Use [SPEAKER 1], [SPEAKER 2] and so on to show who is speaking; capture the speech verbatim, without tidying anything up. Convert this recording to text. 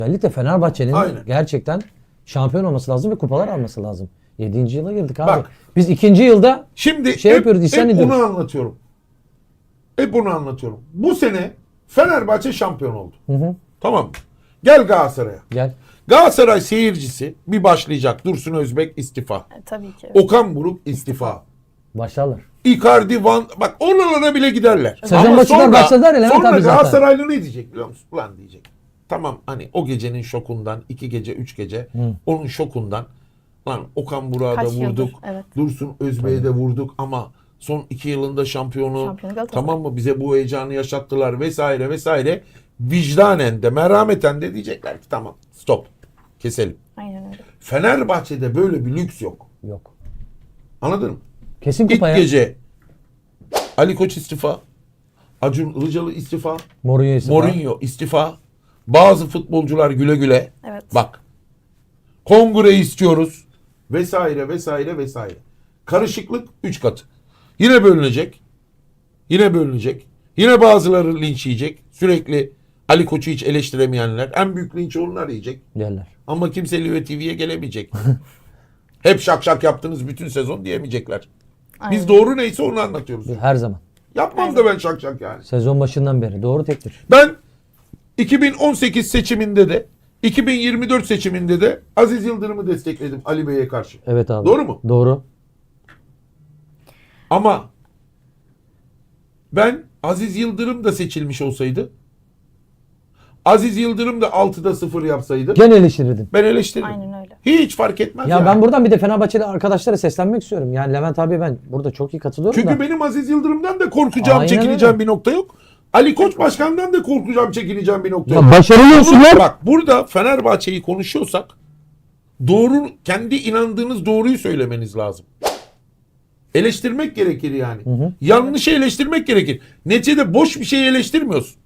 [SPEAKER 1] Özellikle Fenerbahçe'nin
[SPEAKER 2] Aynen.
[SPEAKER 1] gerçekten şampiyon olması lazım ve kupalar alması lazım. yedinci yıla girdik abi.
[SPEAKER 2] Bak.
[SPEAKER 1] Biz ikinci yılda
[SPEAKER 2] Şimdi
[SPEAKER 1] şey
[SPEAKER 2] hep,
[SPEAKER 1] yapıyoruz, isyan
[SPEAKER 2] hep
[SPEAKER 1] ediyoruz.
[SPEAKER 2] bunu anlatıyorum. Hep bunu anlatıyorum. Bu sene Fenerbahçe şampiyon oldu.
[SPEAKER 1] Hı hı.
[SPEAKER 2] Tamam mı? Gel Galatasaray'a.
[SPEAKER 1] Gel.
[SPEAKER 2] Galatasaray seyircisi bir başlayacak. Dursun Özbek istifa.
[SPEAKER 3] E, tabii ki.
[SPEAKER 2] Okan Buruk istifa.
[SPEAKER 1] Başlarlar.
[SPEAKER 2] Icardi, Van... Bak oralara bile giderler.
[SPEAKER 1] Sezon
[SPEAKER 2] Ama
[SPEAKER 1] başından
[SPEAKER 2] sonra-
[SPEAKER 1] başladılar ya Levent
[SPEAKER 2] Sonra
[SPEAKER 1] abi zaten.
[SPEAKER 2] Galatasaraylı ne diyecek biliyor musun? Ulan diyecek. Tamam hani o gecenin şokundan, iki gece, üç gece onun şokundan lan Okan Burak'a da
[SPEAKER 3] Kaç yıldır,
[SPEAKER 2] vurduk.
[SPEAKER 3] evet.
[SPEAKER 2] Dursun Özbek'e de vurduk ama son iki yılında şampiyonu
[SPEAKER 3] Şampiyonu Galatasaray.
[SPEAKER 2] tamam mı bize bu heyecanı yaşattılar vesaire vesaire. Vicdanen de merhameten de diyecekler ki tamam stop keselim.
[SPEAKER 3] Aynen öyle.
[SPEAKER 2] Fenerbahçe'de böyle bir lüks yok.
[SPEAKER 1] Yok.
[SPEAKER 2] Anladın mı?
[SPEAKER 1] Kesin
[SPEAKER 2] İlk
[SPEAKER 1] kupaya.
[SPEAKER 2] gece Ali Koç istifa. Acun Ilıcalı istifa.
[SPEAKER 1] Mourinho istifa.
[SPEAKER 2] Mourinho istifa. Bazı futbolcular güle güle.
[SPEAKER 3] Evet.
[SPEAKER 2] Bak. Kongre istiyoruz. Vesaire vesaire vesaire. Karışıklık üç katı. Yine bölünecek. Yine bölünecek. Yine bazıları linç yiyecek. Sürekli Ali Koç'u hiç eleştiremeyenler. En büyük linç onlar yiyecek.
[SPEAKER 1] Yerler.
[SPEAKER 2] Ama kimse Live T V'ye gelemeyecek. Hep şak şak yaptınız bütün sezon diyemeyecekler. Biz
[SPEAKER 3] Aynen.
[SPEAKER 2] doğru neyse onu anlatıyoruz.
[SPEAKER 1] Her zaman.
[SPEAKER 2] Yapmam da ben şak şak yani.
[SPEAKER 1] Sezon başından beri. Doğru tektir.
[SPEAKER 2] Ben iki bin on sekiz seçiminde de iki bin yirmi dört seçiminde de Aziz Yıldırım'ı destekledim Ali Bey'e karşı.
[SPEAKER 1] Evet abi.
[SPEAKER 2] Doğru mu?
[SPEAKER 1] Doğru.
[SPEAKER 2] Ama ben Aziz Yıldırım da seçilmiş olsaydı, Aziz Yıldırım da altıda sıfır yapsaydı
[SPEAKER 1] Gene eleştirirdin.
[SPEAKER 2] ben eleştiririm.
[SPEAKER 3] Aynen öyle.
[SPEAKER 2] Hiç fark etmez
[SPEAKER 1] Ya
[SPEAKER 2] yani.
[SPEAKER 1] ben buradan bir de Fenerbahçeli arkadaşlara seslenmek istiyorum. Yani Levent abi ben burada çok iyi katılıyorum
[SPEAKER 2] Çünkü
[SPEAKER 1] da.
[SPEAKER 2] benim Aziz Yıldırım'dan da korkacağım,
[SPEAKER 1] Aynen
[SPEAKER 2] çekineceğim
[SPEAKER 1] öyle.
[SPEAKER 2] bir nokta yok. Ali Koç Başkan'dan da korkacağım, çekineceğim bir nokta
[SPEAKER 1] Ya
[SPEAKER 2] yok.
[SPEAKER 1] başarılı olsunlar.
[SPEAKER 2] Bak burada Fenerbahçe'yi konuşuyorsak doğru, kendi inandığınız doğruyu söylemeniz lazım. Eleştirmek gerekir yani. Yanlışı eleştirmek gerekir. Neticede boş bir şey eleştirmiyorsun.